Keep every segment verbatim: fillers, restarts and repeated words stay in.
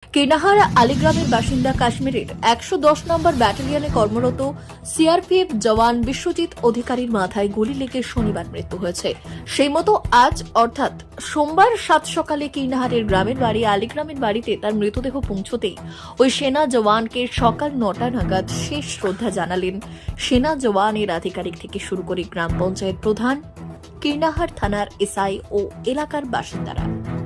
কেনাহার আলীগ্রামের বাসিন্দা কাশ্মীরের একশো দশ নম্বর ব্যাটালিয়নে কর্মরত সিআরপিএফ জওয়ান বিশ্বজিৎ অধিকারীর মাথায় গুলি লেগে শনিবার মৃত্যু হয়েছে। সেই মতো আজ অর্থাৎ সোমবার সাত সকালে কিরনাহারের গ্রামের বাড়ি আলীগ্রামের বাড়িতে তার মৃতদেহ পৌঁছতেই ওই সেনা জওয়ানকে সকাল নটা নাগাদ শেষ শ্রদ্ধা জানালেন সেনা জওয়ানের আধিকারিক থেকে শুরু করে গ্রাম পঞ্চায়েত প্রধান, কিরনাহার থানার এসআই ও এলাকার বাসিন্দারা।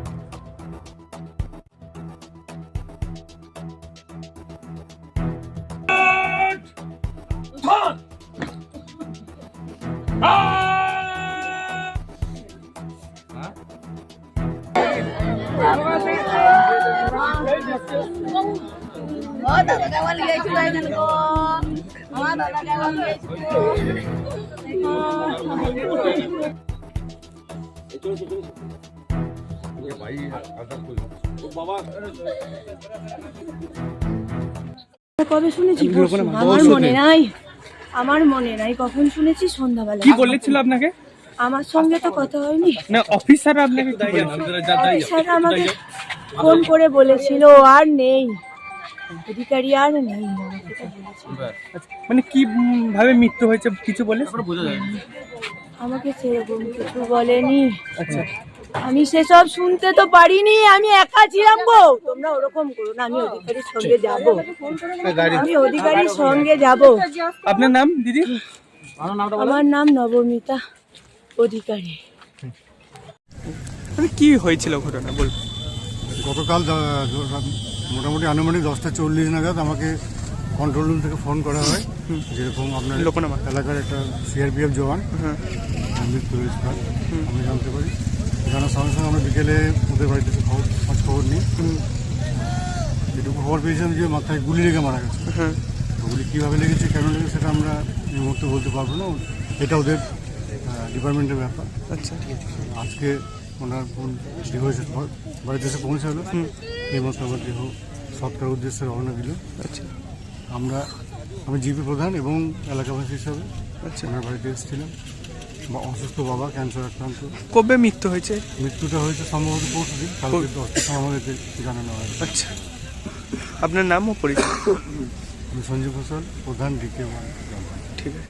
কবে শুনেছি আমার মনে নাই আমার মনে নাই কখন শুনেছি সন্ধ্যাবেলা। কি বলেছিল আপনাকে? আমার সঙ্গে তো কথা হয়নি। না অফিসার আপনাকে কি বলেছিল? অফিসার আমাকে ফোন করে বলেছিল আর নেই, অধিকারী আর নেই। মানে কি ভাবে মৃত্যু হয়েছে কিছু বলে? আমাকে সেরকম কিছু বলেনি। আচ্ছা, আমি সেসব শুনতে তো পারিনি, আমি একা ছিলাম গো। তোমরা ওরকম করো না, আমি অধিকারীর সঙ্গে যাব, আমি অধিকারীর সঙ্গে যাব। আপনার নাম দিদি? আমার নাম নবমিতা অধিকারী। মানে কি হয়েছিল ঘটনা বলুন? গতকাল মোটামুটি আনুমানিক দশটা চল্লিশ নাগাদ আমাকে কন্ট্রোল রুম থেকে ফোন করা হয়, যেরকম আপনার এলাকার একটা সিআরপিএফ জওয়ান মৃত্যু হয়েছে। আমি জানতে পারি, জানার সঙ্গে সঙ্গে আমরা বিকেলে ওদের বাড়িতে খবর খোঁজ খবর নিই। যেটুকু খবর পেয়েছিলাম যে মাথায় গুলি লেগে মারা গেছে। গুলি কীভাবে লেগেছে, কেন লেগেছে সেটা আমরা এই মুহূর্তে বলতে পারবো না, এটা ওদের ডিপার্টমেন্টের ব্যাপার। আচ্ছা, আজকে ওনার দেহ এসে বাড়িতে এসে পৌঁছালো, এই মতো আমার দেহ সৎকার উদ্দেশ্যে রওনা দিল। আচ্ছা, আমরা আমি জিপি প্রধান এবং এলাকাবাসী হিসাবে আচ্ছা ওনার বাড়িতে এসেছিলাম। অসুস্থ বাবা, ক্যান্সার আক্রান্ত। কবে মৃত্যু হয়েছে? মৃত্যুটা হয়েছে সম্ভবত পরশু দিন, কালকে দশটার সময় আমাদেরকে জানানো হয়। আচ্ছা, আপনার নাম ও পরিচয়? আমি সঞ্জীব ঘোষাল, প্রধান ডিকে ওয়ান। ঠিক আছে।